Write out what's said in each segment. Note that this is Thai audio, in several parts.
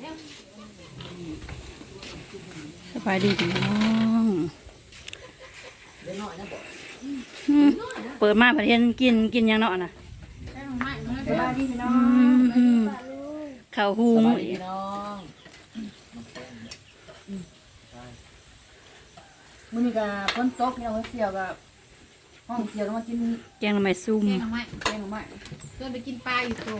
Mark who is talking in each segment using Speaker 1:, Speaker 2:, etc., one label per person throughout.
Speaker 1: สบายดีพี่น้องเปิดมาประเทศกินยังเนาะนะ
Speaker 2: สบายดีพี่น้อง
Speaker 1: ข้าวหุง
Speaker 2: พี่น้องมื้อนี้ก็ฝนตกพี่น้องเสี่ยวกับห้องเสี่ยวต้องมากิน
Speaker 1: แกงหน่อไม้ซุ่ม
Speaker 3: แกงหน่อไม้
Speaker 2: แกงหน่อไม้
Speaker 3: เพื่อนไปกินปลาอยู่ตรง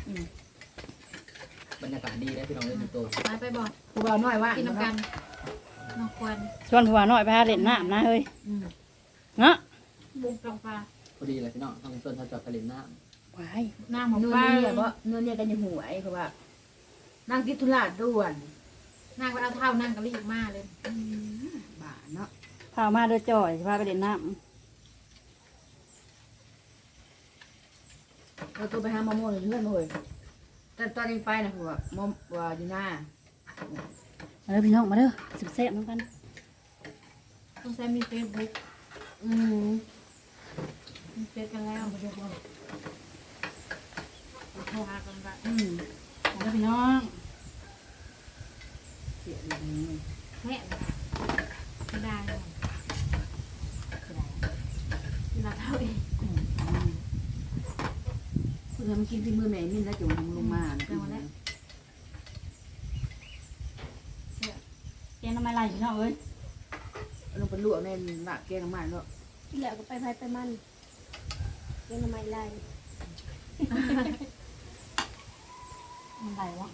Speaker 4: บรรยากาศดีนะพี่น้องเล่นอยู่ตัว
Speaker 3: ไปบอก
Speaker 2: ผู้บ่าวน้อยว่า
Speaker 3: กินน้ำกันน้องควัน
Speaker 1: ชวนผัวหน่อยไปหาเล่นน้ำนะเฮ้ยเนาะ
Speaker 3: บุกตรงปลา
Speaker 4: พอดีเลยพี่น้องทางส่วนทางจอดทะเลน้
Speaker 1: ว้าย
Speaker 3: หน้าหมู
Speaker 2: เนื้อ
Speaker 3: ปลา
Speaker 2: เนี่ยบ่เนื้อเนี่ยกันยังหวยเพราะว่านั่งกินธุระด่วน
Speaker 3: นั่งไปเอาเท้านั่งกะลีกมาเลย
Speaker 2: บ้าเนาะ
Speaker 1: พามาเด้อจ่อยพาไปเล่นน้
Speaker 2: เราตัวไปหาหมอเลยเพื่อนมาเลยแต่ตอนนี้ไปนะผัวหมอว่าอยู่หน้า
Speaker 1: ำมาเด้อพี่น้องมาเด้อสิบเซฟน้องกัน
Speaker 3: ต้องใช้มีเฟซบุ๊ก
Speaker 2: อืม
Speaker 3: มีเฟซกันแล้วโทรหากันแบบ
Speaker 1: มาเด้อพี่น้อง
Speaker 2: เสียเลย
Speaker 3: แม่ไม่ได้เลยเวลาเท่าเอง
Speaker 2: เพื่อนมากินที่มือแม่นี่แล้วจุ่มลงมาเนี่ย
Speaker 1: แกงหน่อไม้ลายพี่น้องเอ้ย
Speaker 2: ลงไปลวกในหลักแกงน้ำมันแล้ว
Speaker 5: ที่เหลือก็ไปไพ่ไปมันเป็นทำไมไล่
Speaker 1: มันไหลวะ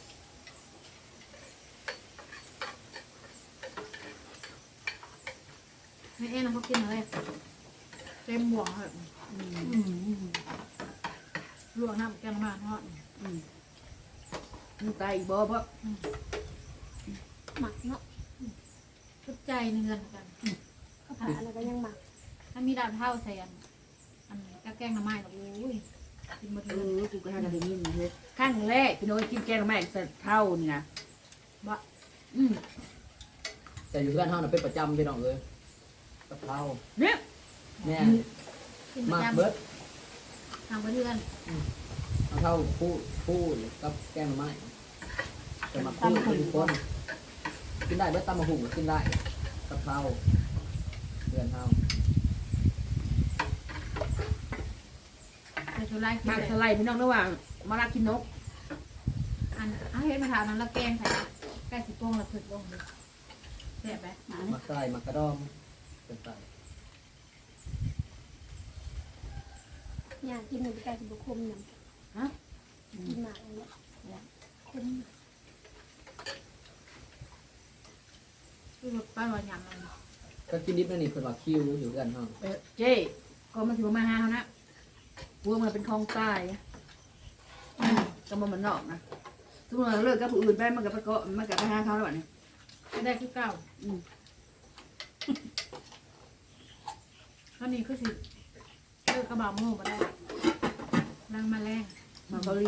Speaker 3: ไม่เอ็นเขากินอะไรเต็มบ่วงเลยลวกน้ำแกงมาทอด
Speaker 2: มึงตายอีกบ่เพราะ
Speaker 5: หมักเนาะ
Speaker 3: ทุกใจในเงินกัน
Speaker 5: ข้าวผัดอะไรก็ยังหมัก
Speaker 3: ถ้ามีดาวเท่าใส่อันก็แกงหน่อไม้กับอุ้ยกินหมดเลย
Speaker 2: กูก็ให้กันได้ยินเลยครั้งแรกพี่น้อยกินแกงน้ำมันใส่เท่านี่นะ
Speaker 3: บะ
Speaker 4: ำแต่อยู่เพื่อนเท่านั้นเป็นประจำพี่น้องเลยกะเพรา
Speaker 2: เนี่ย
Speaker 4: แม่
Speaker 3: กินประ
Speaker 4: มาก
Speaker 3: จำ
Speaker 4: เบิร์ด
Speaker 3: ทำเพื่อน
Speaker 4: เอาเท่าคู่กับแกงไม้แต่มาคู่ทุกคนกินได้เบิร์ดตำมะหุ่งก็กินได้กะเพราเพื่อนเท่า
Speaker 3: แต่ชุดไล่กิน
Speaker 2: มาก
Speaker 3: เลย
Speaker 2: สไลด์พี่น้องระหว่างมาลากินนก
Speaker 3: อันเอาเฮ็ดมาถามนั้นแล้วแกงใส่ใกล้สิโป้งแล้วถึกลงเลยแซ่บไหม
Speaker 4: มักไก่มักกระดอมเป็นไก่
Speaker 5: อยากกินหนึ่งไก่สุบคมหนึ่ง
Speaker 2: ฮะ
Speaker 5: กินหมากอะไรเนี่ยคม
Speaker 3: คือแบบป้าว่าหยำมัน
Speaker 4: ก็กินดิบนั่นนี่เป็นว่าคิวอยู่กันเท่า
Speaker 2: เจ๊ก็มาถือมาหาเขานะพวกมันเป็นคลองใต้ก็มันนอกนะทุกคนเลิกกับผู้อื่นไปมันกับไปเกาะมันกับไปหาเขาแล้วนี่
Speaker 3: ไม่ได้คือเก่าข้าวนี้คือสิเลิกกระบอกโม่มาได้รังมาแรง
Speaker 2: มาเกาหลี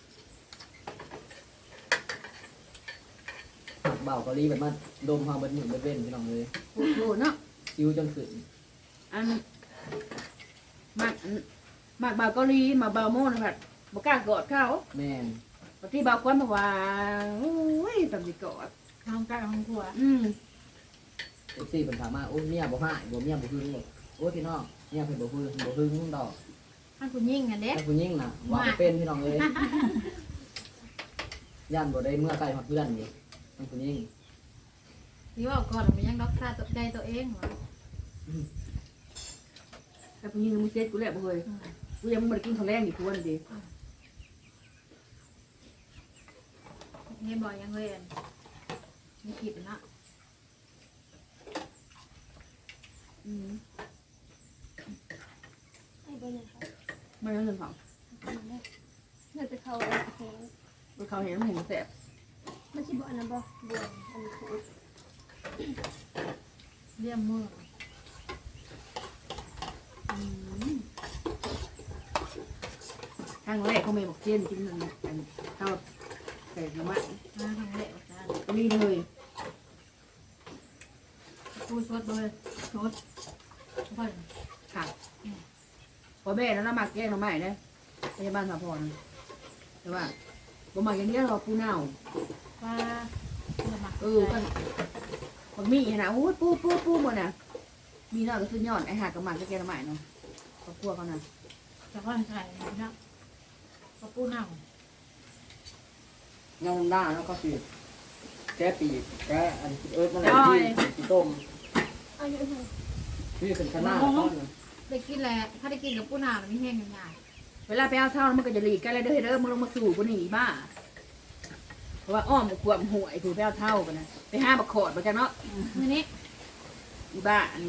Speaker 4: ผักเบาเกาหลีแบบมันดมเฮาเบิร์ดหนึ่งเบิร์ดเว้นพี่น้องเลย
Speaker 2: โอ้โหเนาะ
Speaker 4: คิวจนขึ้น
Speaker 2: อันมากบ่าวเกาหลีมาบ่าวโม่นะแบบบอกกล้ากอดเขา
Speaker 4: แม่น
Speaker 2: ปฏิบ่าวควันบอกว่าโอ้ยตำสิกอด
Speaker 3: ข้าวใกล้ข้าวครัว
Speaker 4: เอฟซีเป็นถามมาโอ้เมียบ่ให้บ่เมียบ่หึงหรอกโอ้พี่น้องเมียเพิ่นบ่หึงดอก
Speaker 3: ท่านคุณยิ่งกันเด็ก
Speaker 4: ถ้าผู้หญิงน่ะว่าบ่เป็นพี่น้องเลยย่านบ่ได้เมื่อใกล้ฮอดเพื่อนนี่ท่านผู้หญิง
Speaker 3: ที่ว่าก่อนมันยังรักษาตกใจตัวเองเหรอ
Speaker 2: แต่ผู้หญิงมึงเซ็ตกูแหละบ่เคยกูยังไม่ได้กินข้าวแรงอีกคนดิ
Speaker 3: เงี้ยบ่อยยังเลยมีขีดนะ
Speaker 5: ไอ้เบอร์เนี่ยค่ะ
Speaker 2: ไม่ต้องเงินเขา
Speaker 5: มาได้เนื้อจะเข้าอะไรแข็ง
Speaker 2: เขาเห็นมันเห็นแสบ
Speaker 5: มันชิบอันนั้นบ่บวมอันนี้คือ
Speaker 3: เลี่ยมมือ
Speaker 2: ครั้งแรกเขาไม่บอกเจนกินนั่นข้าวใส่น้ำมัน
Speaker 3: มาทางเละอาจารย์
Speaker 2: นี่เลย
Speaker 3: พูดสดเลยสดค่อย
Speaker 2: ค่ะพอแม่แล้วเรามาแกงน้ำมันนะพยาบาลสาพรแต่ว่าบ่มาอย่างเดียวเราปูเน่า
Speaker 3: ว่าจะมา
Speaker 2: กันบางมีนะโอ้ยปูหมดน่ะมีน้อยก็สุดยอดไอ้หากระหม่อมก็แกงใหม่เนาะครอบครัวเขาน่ะ
Speaker 3: จะค่อยใส่นะกระปูเน่า
Speaker 4: เงาหน้าแล้วก็สิแก้ปีกแก้อันมันอะไรที่ต้ม
Speaker 5: เอาอยู่เถอะ
Speaker 4: นี่เป็นขนาดต้น
Speaker 3: ได้กินแล้วถ้าได้กินกับปูเน่ามันไม่แห้งง่าย
Speaker 2: เวลาไปเอาเท่ามันก็จะหลีกกันเลยเด้อมึงลงมาสู่กูนี่บ้าเพราะว่าอ้อมขวบหวยถูไปเอาเท่ากันนะไปห้าบักขอดมาจังเนาะ
Speaker 3: ๆมื้อนี้
Speaker 2: อีบ้าอัน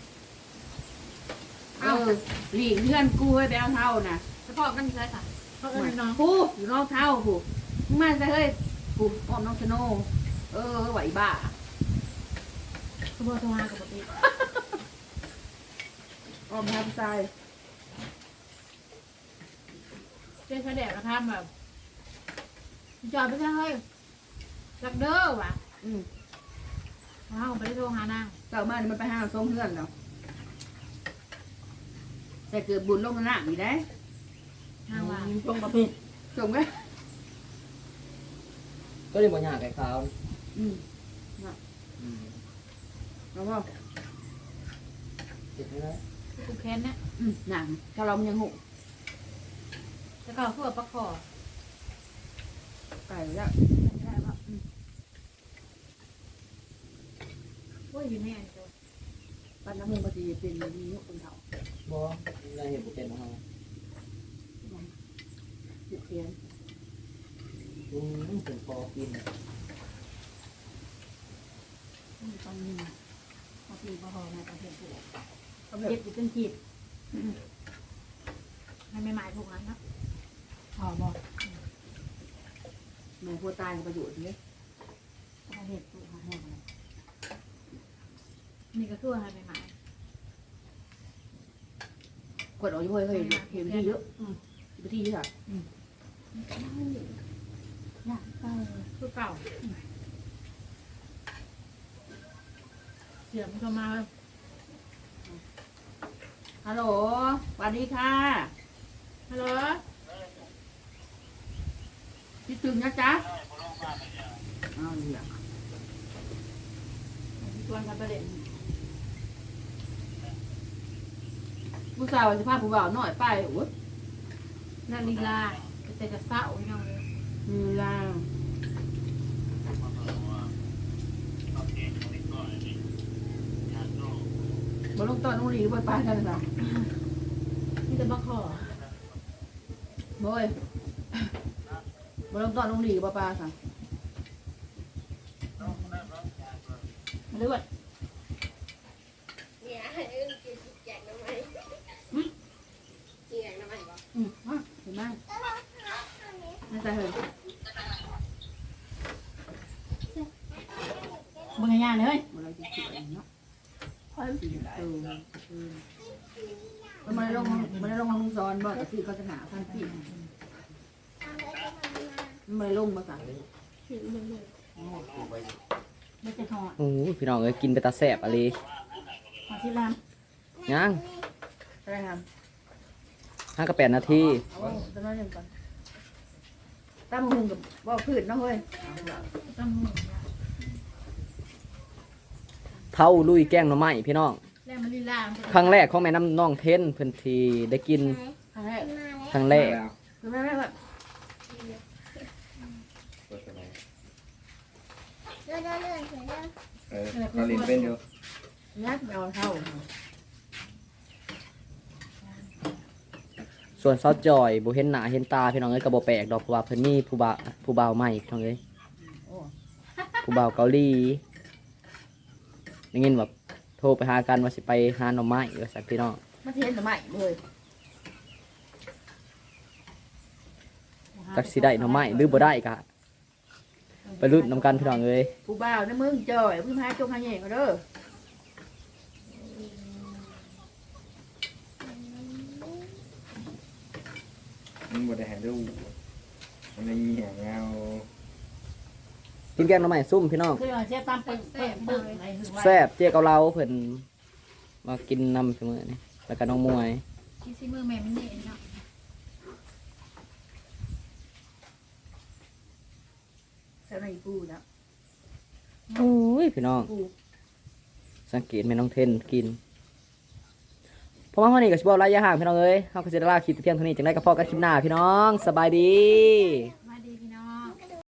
Speaker 2: หลีกเพื่อนกูให้ไปเอาเท่านะ
Speaker 3: เฉพาะกันใช่ค่ะเพราะเอิญน้อง
Speaker 2: ผู้อยู่น้องเท่าผู้มึงมาซะเฮ้ยผู้อ้อมน้องชโนไหวบ้า
Speaker 3: กระโบตัวกับปกติ
Speaker 2: อ้อมทับทราย
Speaker 3: เจ๊แสดงนะครับแบบจอดไปซะเฮ้ยจักเด้อว่ะว้าวไปได้โทรหานาง
Speaker 2: เจ้ามานี่มันไปห้าส้มเพื่อนเนาะแต่เกิดบุญลงหน้าอีกได้
Speaker 3: นางว่า
Speaker 1: ตรงประเภท
Speaker 2: ส่งไหม
Speaker 4: ก็เลยบ่ยากไก่ขาว
Speaker 2: แล้วก็
Speaker 4: ติดนี่นะ
Speaker 3: กูแค้นเนี่ย
Speaker 2: หนังถ้าเรามันยังหก
Speaker 3: แล้วก็คือปลาคอ
Speaker 2: ไก่แล้ว
Speaker 3: ไม่ได้ป่ะว่าอยู่ในอันตัว
Speaker 2: ปั้นน้ำมันปฏิเป็นดียกคนเฒ่า
Speaker 4: บ่ได้เห็นบุเป็นของเรา
Speaker 2: เพียน
Speaker 4: เป็นพอกิน
Speaker 1: ตอนนี้พอปีพอหอในประเทศ
Speaker 2: เขาแบ
Speaker 1: เจ็
Speaker 2: บบ
Speaker 1: อยู่เป็นขีด
Speaker 3: ไม่หมายถูกนั้นนะ
Speaker 1: หอบ่
Speaker 2: แม่พัวตายประโยชน์เลย
Speaker 1: ประเทศตู้หาแห้งเลย
Speaker 3: นี่ก็คืออะไรหมาย
Speaker 2: กดออกอยู่เฮ้ยเห็นที่เยอะไปที่เยอะ
Speaker 1: ยากเต้า
Speaker 3: คือเก่าเสียงมันก็มา
Speaker 2: ฮัลโหลสวัสดีค่ะ
Speaker 3: ฮัลโหล
Speaker 2: คิดถึงนะจ๊ะอ้าวเนี่ย
Speaker 1: ชวนกันไปเล่น
Speaker 2: ผู้สาวสิพาผู้บ่าวน้อยไปโอ้ย
Speaker 3: นาฬิลาแต่จะเศร้าไม่เอาเลย
Speaker 2: มีลาบ่ลงตอนนุ่งหลีบ่ไปกันจ้ะ
Speaker 3: นี่จะมาขอ
Speaker 2: บ่ยบ่ลงตอนนุ่งหลีบ่ปลาค่ะ
Speaker 1: มาเลือด
Speaker 5: เนี่ยให้กินแจกน้ำมันกินแจกน้ำมันบ่
Speaker 2: เห็นไหมน่าจะเห็น
Speaker 1: มึงง่ายๆเลย
Speaker 2: มันอะไรจะเขียนเนาะมันไม่ได้ลงห้องซ้อนบ่แต่คือเขาจะหาพันปีมันไม่ได้ลงมาสั่ง
Speaker 1: ไม่จะหอด
Speaker 4: โอ้พี่น้องเอ้ยกินไปตาแสบอะไร
Speaker 1: หอดที่ลาม
Speaker 4: ยัง
Speaker 2: อะไรครับ
Speaker 4: 5 กับ 8 นาที
Speaker 2: เอาตอนนั้นหนึ่งก่อนตั้มหุงกับบ่อพืชเนาะเฮ้ย
Speaker 3: ต้องหมุน
Speaker 4: เท่าลุยแกงหน่อไม้พี่น้อง
Speaker 3: แล้วมันลีลา
Speaker 4: ครั้งแรกของแม่น้ำน้องเทนเพิ่นทีได้กิน
Speaker 2: ครั้งแรก
Speaker 4: ครั้งแรก
Speaker 2: คือแม่แบบ
Speaker 5: เลื่อนเลื่อนเลื่อนเลื่อน
Speaker 6: เราเรียนเป็นอยู่
Speaker 2: ยัดเอาเท่า
Speaker 4: ส่วนซอสจอยบ่เห็นหน้าเห็นตาพี่น้องเอ้ยก็บ่แปลกดอกเพราะว่าเพิ่นมีผู้บ่าวใหม่พี่น้องเอ้ย
Speaker 2: โอ้
Speaker 4: ผู้บ่าวเกาหลีได้ยินว่าโทรไปหากันว่าสิไปหาหน่อไม้ว่าซั่นพี่น้อง
Speaker 2: มาเทียนสมัยเลย
Speaker 4: จักสิได้หน่อไม้หรือบ่ได้ก็ไปลุ้นนำกันพี่น้องเอ้ย
Speaker 2: ผู้บ่าวในเมืองจ่อยผู้พายจงหาแย่ก็เด้อ
Speaker 6: มันบ่ได้ให้ดูมันไม่มีแหงเงา
Speaker 4: กินแกงหน่อไม้ซุ่มพี่น้อง
Speaker 1: คือเสียตามปึ้งในหือไว้
Speaker 4: แซ่บเจ๊เกาเหลาเพิ่นมากินนำเสมอนี่แล้วก็น้องมวย
Speaker 3: ที่ซีมือแม่มันนี่เนาะ
Speaker 2: แต่ในปูนะ
Speaker 4: โอ้ยพี่น้อง
Speaker 2: ปู
Speaker 4: สังเกตแม่น้องเทนกินเพราะว่าวันนี้ก็สิบ่หลายอย่างพี่น้องเอ้ยเฮาก็สิได้ลาคลิปแต่เพียงเท่านี้จังได๋ก็พอกันคลิปหน้าพี่น้องสบายดี